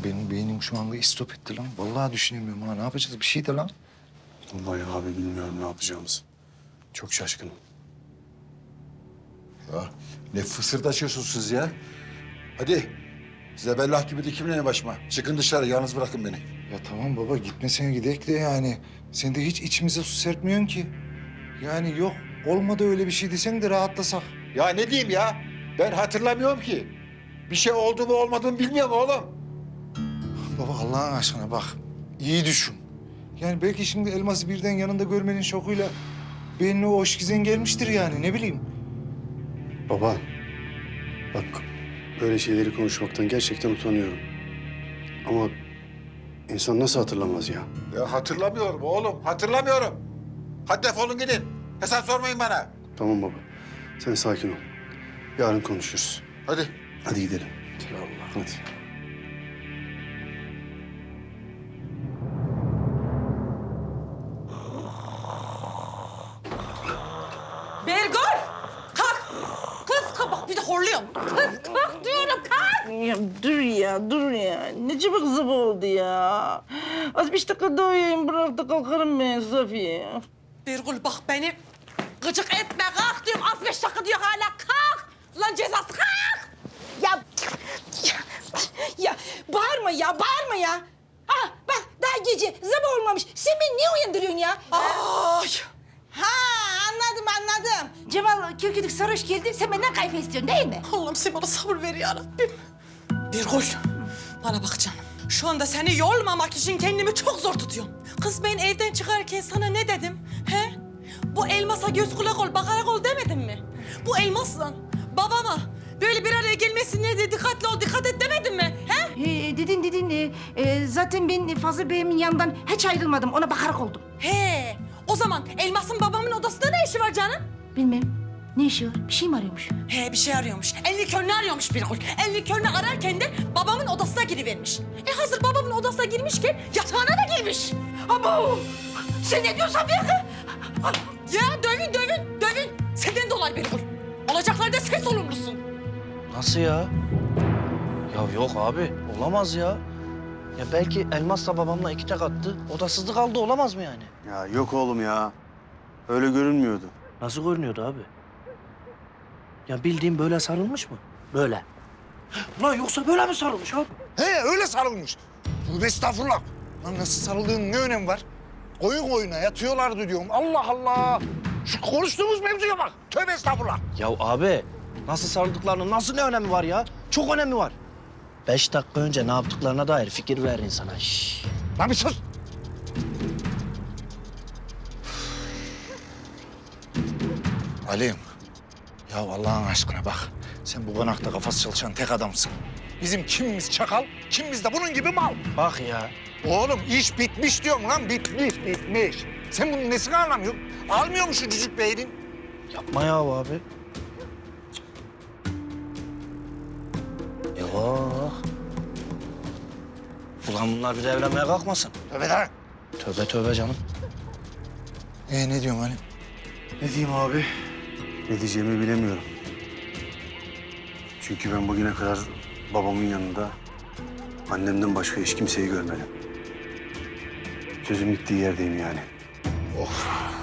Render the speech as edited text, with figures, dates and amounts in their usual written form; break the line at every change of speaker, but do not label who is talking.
benim beynim şu anda istop etti lan. Vallahi düşünemiyorum ha. Ne yapacağız? Bir şey de lan.
Vallahi abi bilmiyorum ne yapacağımızı. Çok şaşkınım.
Ya ne fısırdaşıyorsunuz siz ya? Hadi. Zebellah gibi dikimleyin başıma. Çıkın dışarı, yalnız bırakın beni.
Ya tamam baba gitmesene gidek de yani. Sen de hiç içimize su serpmiyorsun ki. Yani yok olmadı öyle bir şey desen de rahatlasak.
Ya ne diyeyim ya? Ben hatırlamıyorum ki. Bir şey oldu mu olmadı mı bilmiyorum oğlum.
Baba Allah'ın aşkına bak iyi düşün. Yani belki şimdi Elmas'ı birden yanında görmenin şokuyla beynine o hoşgizen gelmiştir yani ne bileyim.
Baba, bak böyle şeyleri konuşmaktan gerçekten utanıyorum. Ama insan nasıl hatırlamaz ya?
Ya hatırlamıyorum oğlum, hatırlamıyorum. Hadi defolun gidin. Hesap sormayın bana.
Tamam baba, sen sakin ol. Yarın konuşuruz.
Hadi.
Hadi gidelim.
Allah.
Hadi.
Bergül! Kalk! Kız kalk bak bir de horluyorum. Kız kalk diyorum kalk!
Ya dur ya. Ne çabuk sabah oldu ya. Az 5 dakika daha uyuyayım bırak da kalkarım ben Safiye.
Bergül bak beni gıcık etme kalk diyorum. Az 5 dakika diyor hala kalk! Lan cezası kalk!
Ya bağırma ya. Ah bak daha gece sabah olmamış. Sen beni niye uyandırıyorsun ya?
Ay!
Ha anladım. Cemal Kirküdük sarhoş geldi. Sen benden kayfa istiyorsun değil mi?
Allah'ım sen bana sabır ver ya Rabbim. Bergül bana bak canım. Şu anda seni yormamak için kendimi çok zor tutuyorum. Kız ben evden çıkarken sana ne dedim? He? Bu elmasa göz kulak ol, bakarak ol demedim mi? Bu elmasla babama böyle bir araya gelmesine de dikkatli ol, dikkat et demedim mi? He?
Dedin. Zaten ben Fazıl Bey'imin yanından hiç ayrılmadım. Ona bakarak oldum.
He. O zaman elmasın babamın odasında ne işi var canım?
Bilmem. Ne işi var? Bir şey mi arıyormuş?
He bir şey arıyormuş. Elini körünü arıyormuş bir kul. Elini körünü ararken de babamın odasına girivermiş. Hazır babamın odasına girmişken yatağına da girmiş.
Abo! Sen ne diyorsun Safiye?
Ya dövün. Senden dolayı bir kul. Olacaklarda sen sorumlusun.
Nasıl ya? Ya yok abi, olamaz ya. Ya belki Elmas'la babamla iki tek attı, odasızlık kaldı olamaz mı yani?
Ya yok oğlum ya. Öyle görünmüyordu.
Nasıl görünüyordu abi? Ya bildiğin böyle sarılmış mı? Böyle. Lan yoksa böyle mi sarılmış abi?
He öyle sarılmış. Tövbe estağfurullah. Lan nasıl sarıldığının ne önemi var? Koyun koyuna yatıyorlardı diyorum. Allah Allah. Şu konuştuğumuz mevzuya bak. Tövbe estağfurullah.
Ya abi, nasıl sarıldıklarının nasıl ne önemi var ya? Çok önemi var. 5 dakika önce ne yaptıklarına dair fikir ver insana. Şşş.
Lan bir sus. Ali'm. Ya Allah'ın aşkına bak. Sen bu konakta kafası çalışan tek adamsın. Bizim kimimiz çakal, kimimiz de bunun gibi mal.
Bak ya.
Oğlum iş bitmiş diyorum lan. Bitmiş. Sen bunun nesini anlamıyorsun? Almıyor mu şu cücük beynin?
Yapma ya abi. Yok. Ulan bunlar bir de evlenmeye kalkmasın.
Tövbe lan.
Tövbe canım.
Ne diyorsun Ali?
Ne diyeyim abi? Ne diyeceğimi bilemiyorum. Çünkü ben bugüne kadar babamın yanında annemden başka hiç kimseyi görmedim. Sözüm bittiği yerdeyim yani.
Of.